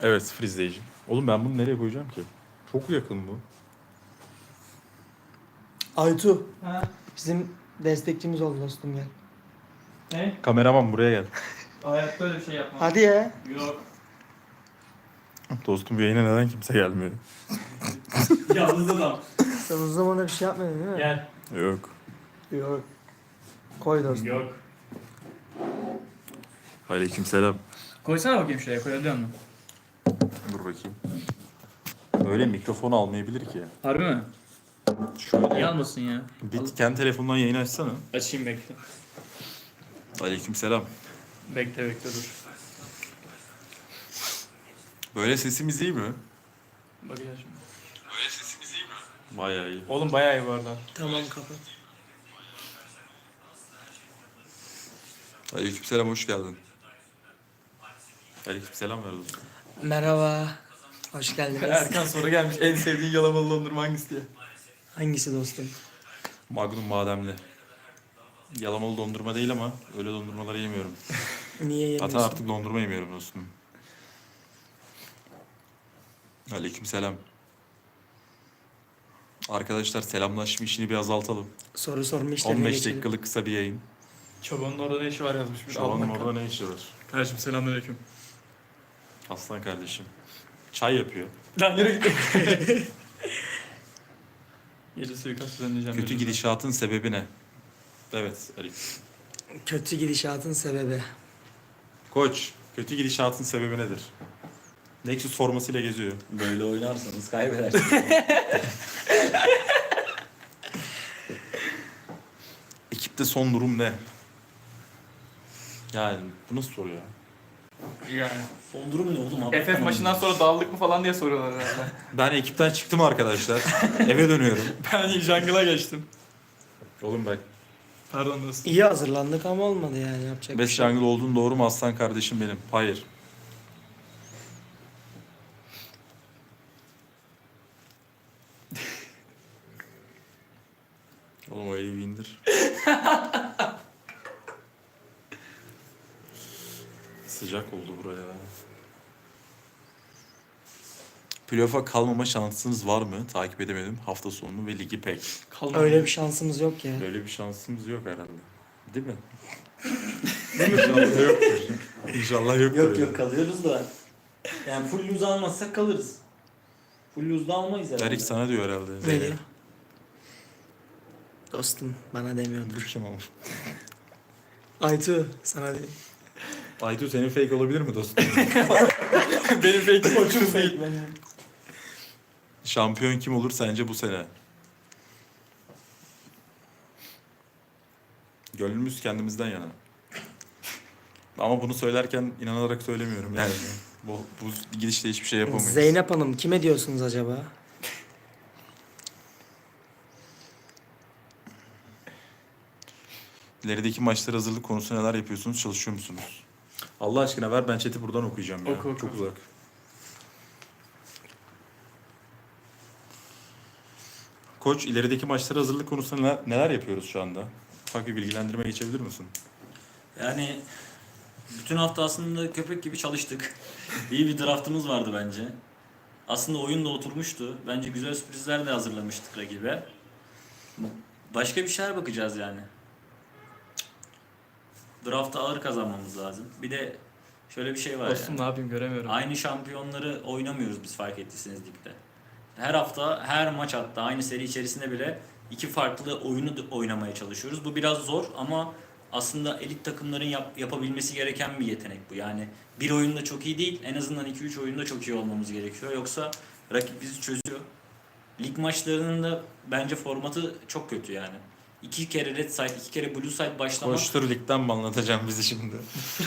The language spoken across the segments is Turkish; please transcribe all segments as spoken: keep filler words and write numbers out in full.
Evet, sıfır izleyici. Oğlum ben bunu nereye koyacağım ki? Çok yakın bu. Aytu. Ha? Bizim destekçimiz oldu dostum gel. Ne? Kameraman buraya gel. Hayatta öyle bir şey yapmam. Hadi ya. Yok. Dostum bu yayına neden kimse gelmiyor? Yalnız adam. Sen uzun zamandır bir şey yapmadın değil mi? Gel. Yok. Yok. Koy dostum. Yok. Aleykümselam. Koysana bakayım şuraya, koyabiliyor musun? Dur bakayım. Öyle mikrofon almayabilir ki. Harbi mi? Şöyle. Niye almasın ya? Bir kendi telefonundan yayını açsana. Açayım bekle. Aleykümselam. Bekle bekle dur. Böyle sesimiz iyi mi? Bakacağız şimdi. Böyle sesimiz iyi mi? Bayağı iyi. Oğlum bayağı iyi bu arada. Tamam kapat. Aleykümselam, hoş geldin. Aleykümselam ver dostum. Merhaba. Hoş geldiniz. Erkan soru gelmiş. En sevdiğin yalamalı dondurma hangisi diye. Hangisi dostum? Magnum bademli. Yalamalı dondurma değil ama öyle dondurmaları yemiyorum. Niye yemiyorsun? Hatta artık dondurma yemiyorum dostum. Aleykümselam. Arkadaşlar selamlaşma işini bir azaltalım. Soru sorma işlerine on beş geçelim. dakikalık kısa bir yayın. Çobanın orada ne işi var yazmış. Bir Çobanın Alman orada ne işi var? Kardeşim selamünaleyküm. Aslan kardeşim. Çay yapıyor. Lan yürü git. Gece suikast düzenleyeceğim. Kötü gece. gidişatın sebebi ne? Evet Ali. Kötü gidişatın sebebi. Koç, kötü gidişatın sebebi nedir? Nexus formasıyla geziyor. Böyle oynarsanız kaybedersiniz. Ekipte son durum ne? Yani bu nasıl soru ya? Yani. Son durum ne oğlum? Abi? F F maçından sonra dağıldık mı falan diye soruyorlar herhalde. Ben ekipten çıktım arkadaşlar. Eve dönüyorum. Ben jungle'a geçtim. Oğlum bak. Pardon dostum. İyi hazırlandık ama olmadı yani yapacak bir Best şey yok. jungle olduğun doğru mu aslan kardeşim benim? Hayır. Oğlum o evi indir. Sıcak oldu buraya. Playoff'a kalmama şansınız var mı? Takip edemedim. Hafta sonunu ve ligi pek. Kalma. Öyle bir şansımız yok ya. Böyle bir şansımız yok herhalde. Değil mi? Değil mi? İnşallah yoktur. İnşallah yoktur. Yok yok kalıyoruz da. Yani full lose almazsak kalırız. Full lose da almayız herhalde. Erik sana diyor herhalde. Ne diyor? Dostum bana demiyordur. Dur kim ama? Aytu sana değil. Aytu senin fake olabilir mi dostum? Benim fake koçum değil. Şampiyon kim olur sence bu sene? Gönlümüz kendimizden yana. Ama bunu söylerken inanarak söylemiyorum yani. Bu, bu gidişle hiçbir şey yapamayız. Zeynep Hanım kime diyorsunuz acaba? İlerideki maçlara hazırlık konusunda neler yapıyorsunuz? Çalışıyor musunuz? Allah aşkına ver, ben chat'i buradan okuyacağım ya. Oku, oku. Çok uzak. Koç, ilerideki maçlara hazırlık konusunda neler, neler yapıyoruz şu anda? Ufak bir bilgilendirme geçebilir misin? Yani bütün hafta aslında köpek gibi çalıştık. İyi bir draftımız vardı bence. Aslında oyun da oturmuştu. Bence güzel sürprizler de hazırlamıştık rakibe. Başka bir şeyler bakacağız yani. Draft'ta ağır kazanmamız lazım. Bir de şöyle bir şey var Dostum yani. ne yapayım göremiyorum. Aynı şampiyonları oynamıyoruz biz fark ettiyseniz ligde. Her hafta, her maç hatta aynı seri içerisinde bile iki farklı oyunu da oynamaya çalışıyoruz. Bu biraz zor ama aslında elit takımların yap- yapabilmesi gereken bir yetenek bu. Yani bir oyunda çok iyi değil, en azından iki üç oyunda çok iyi olmamız gerekiyor. Yoksa rakip bizi çözüyor. Lig maçlarının da bence formatı çok kötü yani. İki kere red side, iki kere blue side başlamak Koçtur ligden mi anlatacağım bizi şimdi?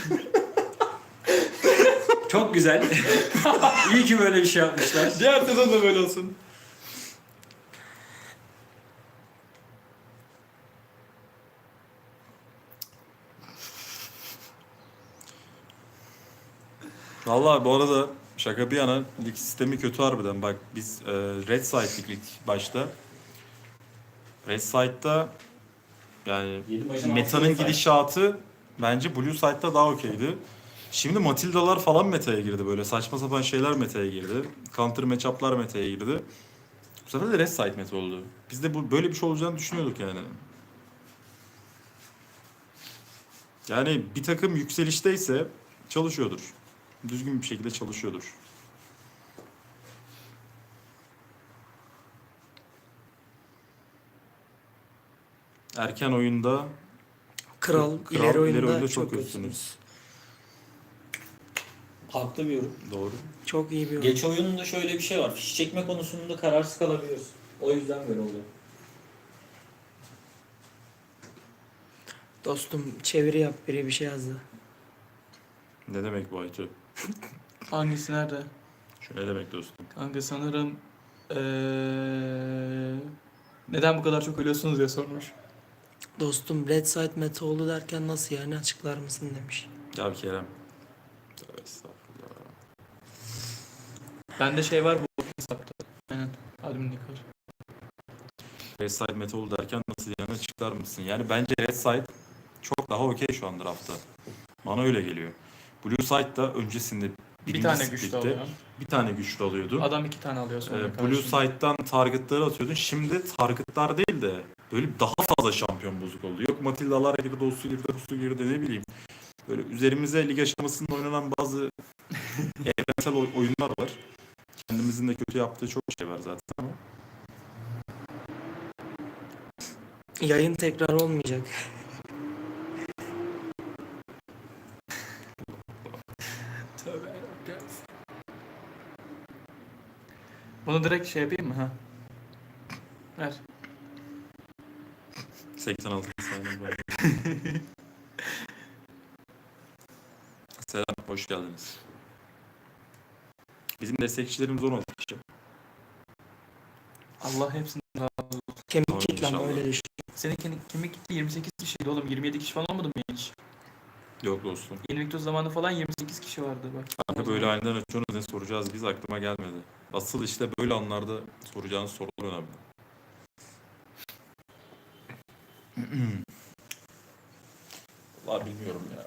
çok güzel. İyi ki böyle bir şey yapmışlar. Diğer sezon da böyle olsun. Vallahi bu arada şaka bir yana lig sistemi kötü harbiden. Bak biz e, Red Side'lik lig başta. Red Side'da yani Yedi maçın metanın altı side. gidişatı bence Blue Side'da daha okeydi. Şimdi Matilda'lar falan meta'ya girdi böyle. Saçma sapan şeyler meta'ya girdi. Counter matchup'lar meta'ya girdi. Bu sefer de Red Side meta oldu. Biz de bu böyle bir şey olacağını düşünüyorduk yani. Yani bir takım yükselişteyse çalışıyordur. Düzgün bir şekilde çalışıyordur. Erken oyunda Kral, Kral, ileri oyunda, ileri oyunda çok çok kötüsünüz. kötüsünüz. Haklı bir yorum. Doğru. Çok iyi bir oyun. Geç oyununda şöyle bir şey var. Fiş çekme konusunda kararsız kalabiliyoruz. O yüzden böyle oluyor. Dostum çeviri yap, biri bir şey yazdı. Ne demek bu Aytu? Hangisi nerede? Şu ne demek dostum? Kanka sanırım eee neden bu kadar çok ölüyorsunuz diye sormuş. Dostum Red Side meta oldu derken nasıl yani, açıklar mısın demiş. Gel Kerem. Tövbe estağfurullah. Bende şey var bu hesapta. Aynen. Adminlik var. Red Side meta oldu derken nasıl yani, açıklar mısın? Yani bence Red Side çok daha okey şu an draftta. Bana öyle geliyor. Blue Side da öncesinde Bir birinci tane güçlü split'te alıyor. bir tane güçlü alıyordu. Adam iki tane alıyor sonra. Ee, Blue karşında. Side'dan targetları atıyordun. Şimdi targetlar değil de böyle daha fazla şampiyon bozuk oldu. Yok Matilda'lar girdi, Dostu girdi, Dostu girdi, ne bileyim. Böyle üzerimize lig aşamasında oynanan bazı evrensel oy- oyunlar var. Kendimizin de kötü yaptığı çok şey var zaten ama. Yayın tekrar olmayacak. Tövbe yarabbim. Bunu direkt şey yapayım mı ha? Ver. seksen altı saniye var. Selam, hoş geldiniz. Bizim destekçilerimiz on altı kişi. Allah hepsini razı olsun. Kemik Tamam, kitlem inşallah. öyle düşün. Senin kemik, kemik gitti yirmi sekiz kişiydi oğlum. yirmi yedi kişi falan olmadı mı hiç? Yok dostum. Invictus zamanı falan yirmi sekiz kişi vardı bak. Kanka böyle aniden açıyorsunuz, ne soracağız biz, aklıma gelmedi. Asıl işte böyle anlarda soracağınız sorular önemli. Vallahi bilmiyorum ya.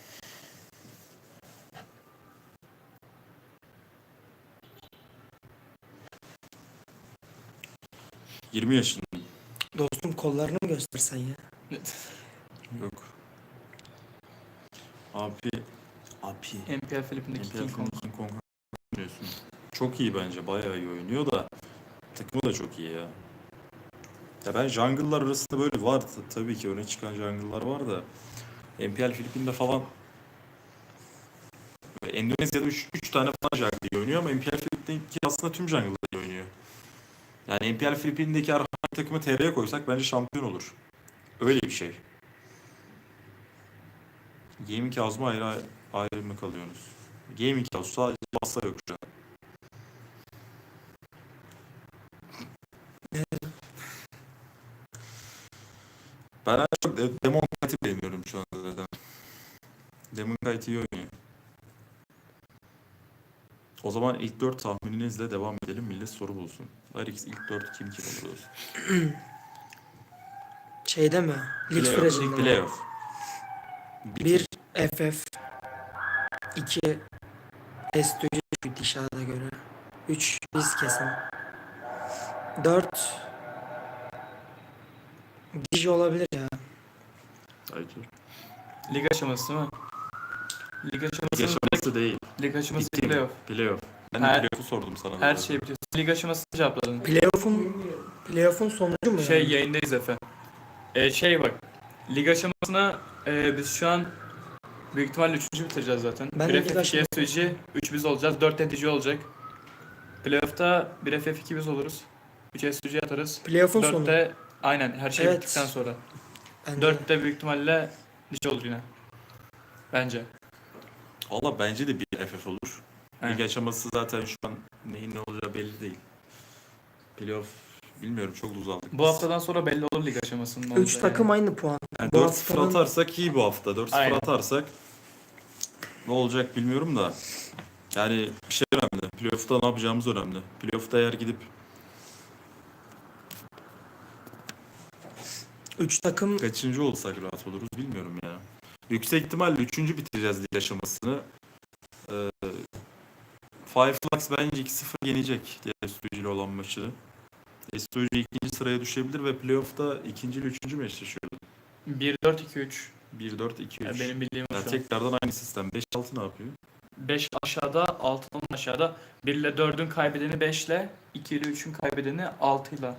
yirmi yaşındayım. Dostum kollarını mı göstersen ya? Yok. Abi. Abi. M P L Filipin'deki N P L King Kong. King Kong oynuyorsun. Çok iyi bence. Bayağı iyi oynuyor da. Takımı da çok iyi ya. Ya ben jungle'lar arasında böyle var. t- Tabii ki öne çıkan jungle'lar var da. N P L Filipin'de falan böyle Endonezya'da üç tane falan jungle iyi oynuyor ama N P L Filipin'deki aslında tüm jungle'lar iyi oynuyor. Yani N P L Filipin'deki herhangi bir takımı T R'ye koysak bence şampiyon olur. Öyle bir şey. Gaming House mu ayrı, ayrı mı kalıyorsunuz? Gaming House sadece masa yok şu an. Ben en çok de- Demon Knight'i beğeniyorum şu anda zaten. Demon Knight iyi oynuyor. O zaman ilk dört tahmininizle devam edelim. Millet soru bulsun. Larix ilk dört kim kim olur olsun. Şeyde mi? Lig Playoff. sürecinde mi? Playoff. Bir F F. iki S T C gidişata göre. üç biz kesin. dört Dij olabilir ya. Aytur. Lig aşaması değil mi? Lig aşaması, Yaşaması değil. lig aşaması Bitti mi? playoff. Playoff. Ben de Her- playoff'u sordum sana. Her zaten. şeyi biliyorsun. Lig aşamasını cevapladın. Playoff'un Playoff'un sonucu mu Şey yani? yayındayız Efe. Ee, şey bak. Lig aşamasına e, biz şu an büyük ihtimalle üçüncü bitireceğiz zaten. Ben de bir lig F F iki aşaması- S G, üç biz olacağız. dört N T C olacak. Playoff'ta bir F F iki biz oluruz. üç S G atarız. Playoff'un sonu. dörtte aynen her şey Evet. bittikten sonra. Bence. dörtte büyük ihtimalle Lig olur yine. Bence. Valla bence de bir F F olur. Evet. Lig aşaması zaten şu an neyin ne olacağı belli değil. Playoff bilmiyorum, çok uzandık. Bu haftadan sonra belli olur lig aşamasının ne üç olacağı takım yani. aynı puan. Yani Bu dört sıfır haftanın- atarsak iyi bu hafta. dört sıfır Aynen. atarsak ne olacak bilmiyorum da. Yani bir şey önemli. Playoff'ta ne yapacağımız önemli. Playoff'ta eğer gidip üç takım kaçıncı olsak rahat oluruz bilmiyorum ya. Yüksek ihtimalle üçüncü bitireceğiz lig aşamasını. Ee, Five Flags bence iki sıfır yenecek diğer S ile olan maçı. S ikinci sıraya düşebilir ve playoff'ta ikinci ile üçüncü mü eşleşiyordu? bir dört iki üç. bir dört iki Yani üç. benim bildiğim o Ya şu an. tekrardan aynı sistem. beş altı ne yapıyor? beş aşağıda, altı aşağıda. bir ile dördün kaybedeni beş ile, iki ile üçün kaybedeni altı ile.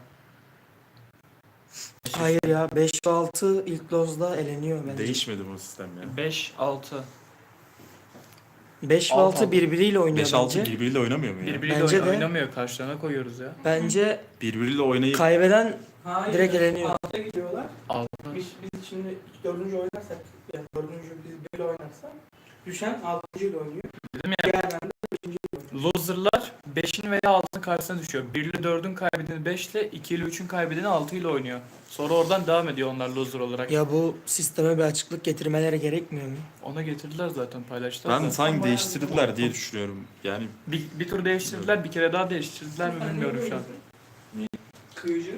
Hayır ya beş ve altı ilk lozda eleniyor bence. Değişmedi bu sistem ya. beş altı. beş ve Altı, altı altı. birbiriyle oynuyor beş altı bence. birbiriyle oynamıyor mu ya? Birbiriyle Bence oyna- de. oynamıyor. Karşılarına koyuyoruz ya. Bence Birbiriyle oynayıp kaybeden Hayır, direkt eleniyor. alta gidiyorlar. altı. Biz, biz şimdi dördüncü oynarsak, yani dördüncü biz böyle oynarsak, düşen altıncı ile oynuyor. Dedim ya. Diğerlerinde beşinci ile oynuyor. Loser'lar beşin veya altının karşısına düşüyor. bir ile dördün kaybedeni beş ile, iki ile üçün kaybedeni altı ile oynuyor. Sonra oradan devam ediyor onlar loser olarak. Ya bu sisteme bir açıklık getirmeleri gerekmiyor mu? Ona getirdiler zaten, paylaştılar. ben da. sanki değiştirdiler diye düşünüyorum. Yani Bir, bir tur değiştirdiler, bir kere daha değiştirdiler mi bilmiyorum şu an. Kıyıcı.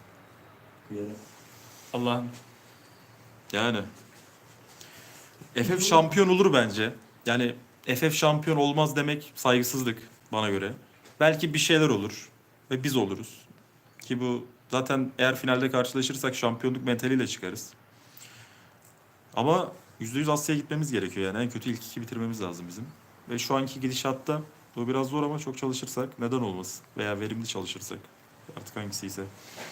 Allah'ım. yani F F şampiyon olur bence. Yani F F şampiyon olmaz demek saygısızlık bana göre. Belki bir şeyler olur ve biz oluruz. Ki bu zaten eğer finalde karşılaşırsak şampiyonluk mentaliyle çıkarız. Ama yüzde yüz Asya'ya gitmemiz gerekiyor yani. En kötü ilk iki bitirmemiz lazım bizim. Ve şu anki gidişatta bu biraz zor ama çok çalışırsak neden olmasın? Veya verimli çalışırsak. Artık hangisiyse.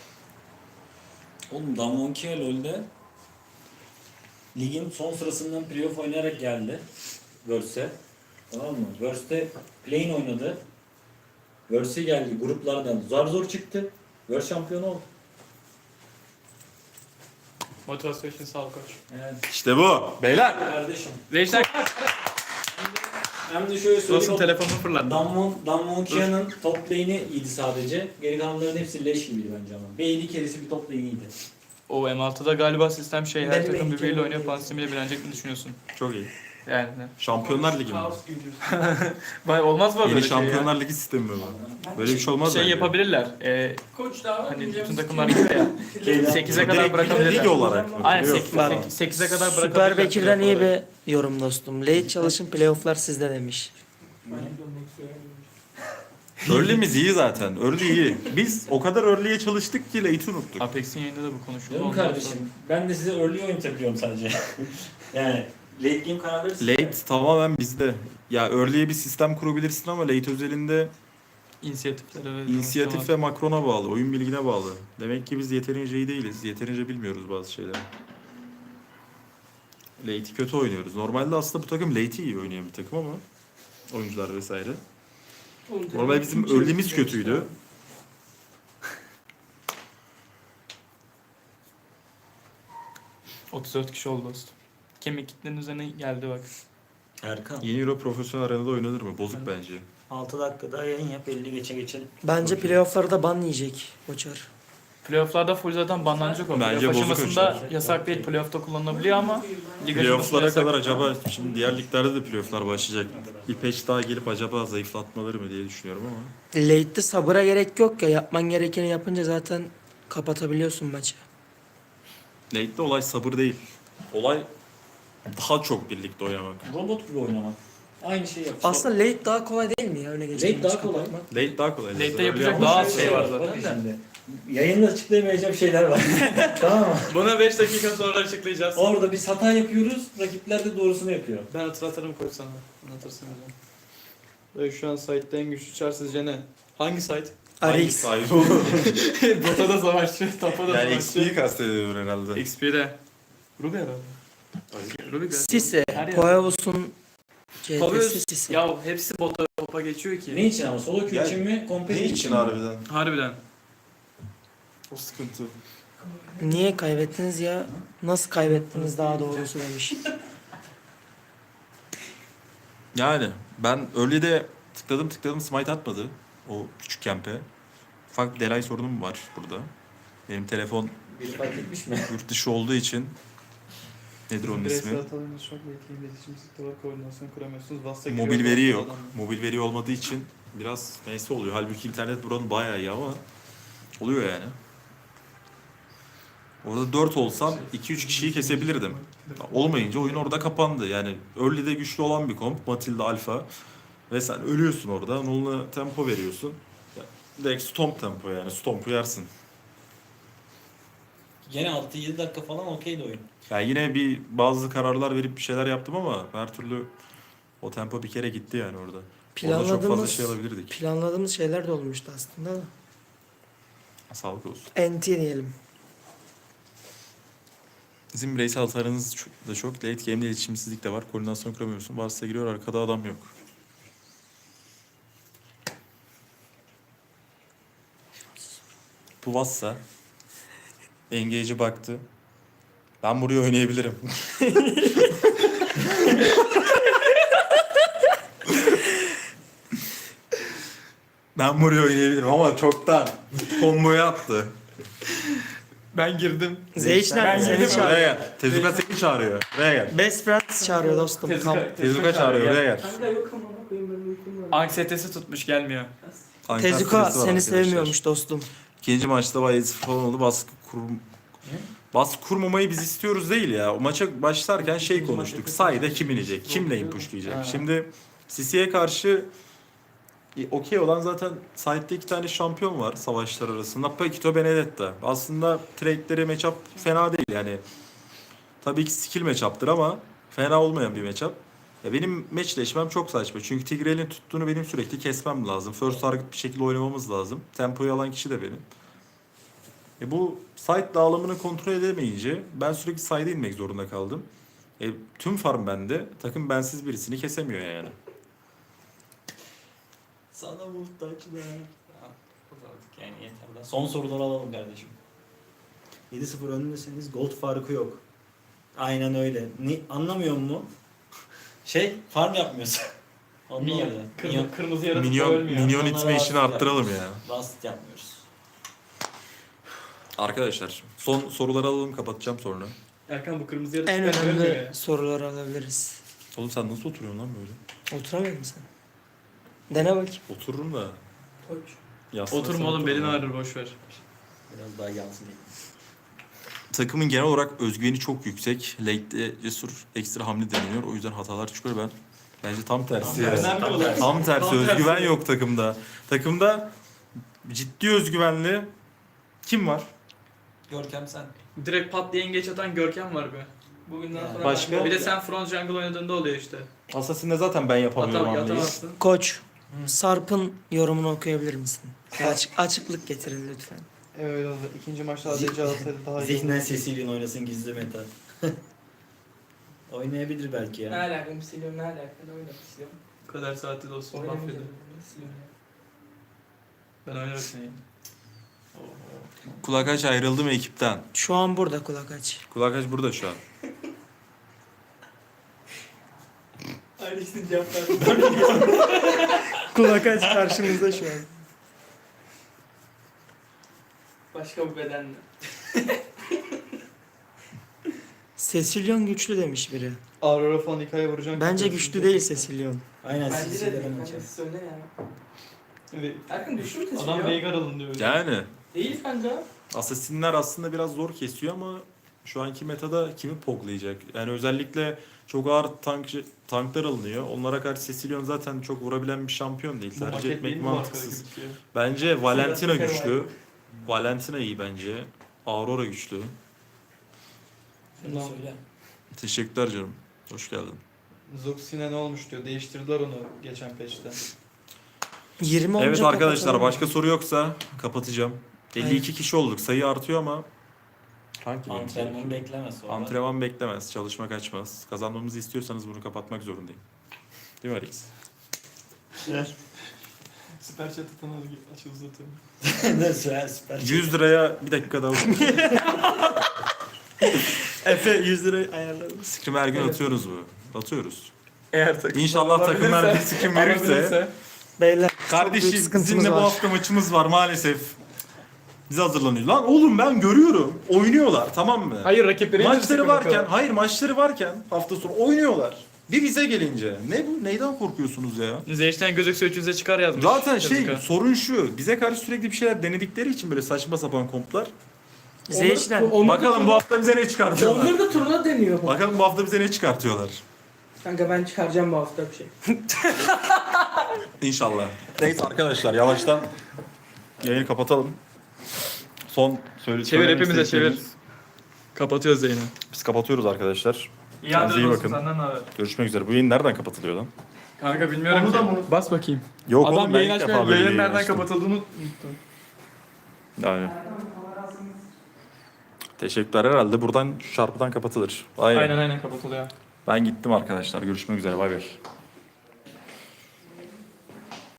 Oğlum Damonkia LoL'de ligin son sırasından playoff oynayarak geldi. Verse. Tamam mı? Verse'de play-in oynadı. Verse geldi gruplardan zar zor çıktı. Verse şampiyonu oldu. Motivasyon için sağ ol koç. Yani İşte bu. Beyler. kardeşim. Reisler, Hem de şöyle dostum söyleyeyim. telefonunu fırlattı. Damwon, Damwonkia'nın top lane'i iyiydi sadece. Geri kalanların hepsi leş gibiydi bence ama. B D keresi bir top lane'iydi. O M altıda galiba sistem şey, her Benim takım en birbiriyle kere- oynuyor falan sistemiyle bilenecek mi düşünüyorsun? Çok iyi. Yani ne? Şampiyonlar Ligi mi? Kaos gibi diyorsun. Vay, olmaz mı Yeni böyle şey ya? Şampiyonlar Ligi sistemi mi bu? Böyle bir şey olmaz Şey bence. yapabilirler. E, Koç daha var. hani bütün güncemiz takımlar kim? gibi ya. sekize kadar Direkt bırakabilirler. lig olarak mı? Aynen Playoff falan. sekize kadar bırakabilirler. Süper Bekir'den iyi playoff olarak. bir yorum dostum. Late çalışın playofflar sizde demiş. Early'miz iyi zaten. Early iyi. Biz o kadar early'ye çalıştık ki late'i unuttuk. Apex'in yayında da bu konuşuldu. Canım Ondan kardeşim, ben de size early oynatabiliyorum sadece. yani late game kararları sizde. Late tamamen bizde. Ya early'ye bir sistem kurabilirsin ama late özelinde sonra inisiyatiflere ve inisiyatif ve makrona bağlı, oyun bilgine bağlı. Demek ki biz yeterince iyi değiliz. Yeterince bilmiyoruz bazı şeyleri. Late'i kötü oynuyoruz. Normalde aslında bu takım late'i iyi oynayan bir takım ama oyuncular vesaire. Normal bizim early'miz kötüydü. otuz dört kişi oldu dostum. Kemik kitlenin üzerine geldi bak. Erkan, Yeni Euro profesyonel arenada oynanır mı? Bozuk bence. altı dakikada yayın yap, elli geçe geçelim. Bence playofflarda ban yiyecek Koçar. Playoff'larda full zaten banlanacak o. Bence Playoff bozuk aşamasında ölçüler. yasak değil. Playoff'ta kullanılabiliyor ama lig aşamasında Playoff'lara yasak. kadar acaba şimdi diğer liglerde de playoff'lar başlayacak. Bir patch daha gelip acaba zayıflatmaları mı diye düşünüyorum ama. Late'de sabıra gerek yok ya. Yapman gerekeni yapınca zaten kapatabiliyorsun maçı. Late'de olay sabır değil. Olay daha çok birlikte oynamak. Robot gibi oynamak. Aynı şeyi yap. Aslında late daha kolay değil mi ya öne geçen Late daha maçı kolay. kapatmak? Late daha kolay. Late'de Öyle yapacak ama- daha az Şöyle şey var bak zaten de. şimdi. Yayında açıklayamayacağım şeyler var. tamam mı? Bunu beş dakika sonra açıklayacağız. Orada biz hata yapıyoruz, rakipler de doğrusunu yapıyor. Ben hatırlatırım koç sana. Anlatırsın hocam. Ve şu an site'de en güçlü çar sizce ne? Hangi site? Hangi Arix. sahibi olur? Dota'da savaşçı, Tapa'da Yani savaşçı. X P'yi kastediyor herhalde. X P'de. Ruby herhalde. Ruby galiba. Sise. Her yer. Poeos'un C T'si Poeos, Sise. ya hepsi bota topa geçiyor ki. Ne için ama? Solo queue Yani için mi? Competitive Ne için harbiden? Harbiden. O sıkıntı. Niye kaybettiniz ya? Nasıl kaybettiniz daha doğrusu demiş. Yani ben early'de tıkladım tıkladım smite atmadı. O küçük kempe. Ufak bir delay sorunum var burada. Benim telefon Bir fark etmiş mi? yurt dışı olduğu için nedir onun ismi? hatalarınız çok etkili iletişim sektörü koordinasyon kuramıyorsunuz. Vasta Mobil veri yok. Mobil veri olmadığı için biraz neyse oluyor. Halbuki internet buranın bayağı iyi ama oluyor yani. Orada dört olsam iki üç kişiyi kesebilirdim. Olmayınca oyun orada kapandı. Yani early'de güçlü olan bir komp. Matilda Alpha. Ve sen ölüyorsun orada. Null'a tempo veriyorsun. Ya, direkt stomp tempo yani. Stomp'u yersin. Gene altı yedi dakika falan okeydi oyun. Yani yine bir bazı kararlar verip bir şeyler yaptım ama her türlü o tempo bir kere gitti yani orada. Orada çok fazla Planladığımız, şey alabilirdik. planladığımız şeyler de olmuştu aslında da. Sağlık olsun. N T diyelim. Bizim bireysel hasarınız çok- da çok. Late game'de iletişimsizlik de var. Koordinasyon kuramıyorsun. Varsa giriyor, arkada adam yok. Bu Vassa engage'e baktı. Ben buraya oynayabilirim. Ben buraya oynayabilirim ama çoktan komboya attı. Ben girdim. Zeyşner Ben seni girdim. çağırıyor. Buraya gel. Tezuka seni çağırıyor. Buraya gel. Best Friends çağırıyor dostum. Tezuka, Tezuka çağırıyor. Buraya gel. Kanka yok ama koyayım benim uykum var. Anksiyetesi tutmuş gelmiyor. Ankara Tezuka stresi var seni arkadaşlar. sevmiyormuş dostum. İkinci maçta bayağı sıfır falan oldu. Baskı kur... Baskı kurmamayı biz istiyoruz değil ya. O maça başlarken şey konuştuk. Sayda kim inecek? Kim lane pushlayacak? Ha. Şimdi C C'ye karşı e, okey olan zaten side'de iki tane şampiyon var savaşlar arasında. Paquito Benedetta. Aslında trade'leri matchup fena değil yani. Tabii ki skill matchup'tır ama fena olmayan bir matchup. Ya benim matchleşmem çok saçma. Çünkü Tigreal'in tuttuğunu benim sürekli kesmem lazım. First target bir şekilde oynamamız lazım. Tempoyu alan kişi de benim. E bu site dağılımını kontrol edemeyince ben sürekli side'e inmek zorunda kaldım. E, tüm farm bende. Takım bensiz birisini kesemiyor yani. Sana muhtaçlar. Yani yeter daha. Son soruları alalım kardeşim. yedi sıfır önündesiniz. Gold farkı yok. Aynen öyle. Ni anlamıyor mu? Şey, farm yapmıyorsun. Minyon. Anlamadım. Kırmızı, kırmızı yaratık Minyon, ölmüyor. minyon Onlara itme işini rahatsız arttıralım ya. Rust yapmıyoruz. Arkadaşlar son soruları alalım, kapatacağım sonra. Erkan bu kırmızı yaratık En ölmüyor önemli ya. soruları alabiliriz. Oğlum sen nasıl oturuyorsun lan böyle? Oturamıyor musun sen? Dene bakayım. Otururum da. Koç. yaslanırsam Oturma oğlum belin otururum. ağrır boşver. Biraz daha yansın diye. Takımın genel olarak özgüveni çok yüksek. Late'de cesur ekstra hamle deniyor. O yüzden hatalar çıkıyor. Ben bence tam tersi. Tam yani. tersi. Önemli olan. Tam tersi. Tam Özgüven tersi. yok takımda. Takımda ciddi özgüvenli kim var? Görkem sen. Direkt pat diye geç atan Görkem var be. Bugünden Yani sonra başka- Bir de sen front jungle oynadığında oluyor işte. Assassin'de zaten ben yapamıyorum Atam, hamleyi. yatamazsın. Koç, Sarp'ın yorumunu okuyabilir misin? Açık, açıklık getirin lütfen. Evet öyle oldu. İkinci maçta A D C alsaydı daha iyi Zihnen olurdu. sesiyle oynasın gizli meta. Oynayabilir belki Ne ya. alakam siliyorum ne alakam oynamak istiyorum. Bu kadar saati dostum mahvedin. Oynamayacağım. Siliyorum ya. Ben oynarım seni. Kulak aç ayrıldı mı ekipten? Şu an burada kulak aç. Kulak aç burada şu an. Aynısını cevap verdim. Kulak aç karşımızda şu an. Başka bir bedenle. Cecilion güçlü demiş biri. Aurora falan hikaye vuracak. Bence güçlü değil Cecilion. Aynen Bence de sesiyle değil. ben Bence açarım. söyle ya. Evet. Erkan düştü mü Adam tesiliyor? Veigar alın diyor. Yani Değil kanka. Assassin'ler aslında biraz zor kesiyor ama şu anki metada kimi poklayacak? Yani özellikle çok ağır tank tanklar alınıyor. Onlara karşı Cecilion zaten çok vurabilen bir şampiyon değil. Bu Tercih maket değil etmek mi mantıksız. arkadaki? Bence Valentina Süper güçlü. Valentina iyi bence. Aurora güçlü. Şunu söyle. Teşekkürler canım. Hoş geldin. Zoxine ne olmuş diyor. Değiştirdiler onu geçen patch'te. yirmi olunca Evet arkadaşlar kapatalım. başka soru yoksa kapatacağım. elli iki kişi olduk. Sayı artıyor ama sanki benim Antrenmanı sayım. beklemez sonra. Antrenman beklemez. Çalışma kaçmaz. Kazanmamızı istiyorsanız bunu kapatmak zorundayım. Değil mi Alex? Süper chat atan aç uzatıyorum. Ne süper süper. yüz liraya bir dakika daha Efe yüz lira ayarladım. Scrim her gün atıyoruz bu. Atıyoruz. Eğer takım İnşallah takımlar bir scrim verirse. Beyler Kardeşim büyük sıkıntımız sizinle bu var. hafta maçımız var maalesef. Biz hazırlanıyoruz. Lan oğlum ben görüyorum. Oynuyorlar tamam mı? Hayır rakipleri Maçları varken, hayır maçları varken hafta sonu oynuyorlar. Bir bize gelince. Ne bu? Neyden korkuyorsunuz ya? Zeyş'ten gözükse üçünüze çıkar yazmış. Zaten şey Tezuka. sorun şu. Bize karşı sürekli bir şeyler denedikleri için böyle saçma sapan komplar. İzleyiciler. Onları- onları Bakalım da- bu hafta bize ne çıkartıyorlar. Onları da turuna deniyor. Bakalım bu hafta bize ne çıkartıyorlar. Kanka ben çıkaracağım bu hafta bir şey. İnşallah. Neyse arkadaşlar yavaştan yayını kapatalım. Son söyle Çevir, söylemek hepimize istedikleriniz- Kapatıyoruz yayını. Biz kapatıyoruz arkadaşlar. İyi Kendinize iyi adres bakın. olsun, senden ne haber? Görüşmek üzere. Bu yayın nereden kapatılıyor lan? Kanka bilmiyorum Onu ki. da mı? Bas bakayım. Yok Adam oğlum ben yayın ilk defa açmıyor. böyle Yayın bir nereden açtım. kapatıldığını unuttum. Yani. Teşekkürler herhalde buradan şu çarpıdan kapatılır. Aynen. Aynen aynen kapatılıyor. Ben gittim arkadaşlar. Görüşmek üzere. Bay bay.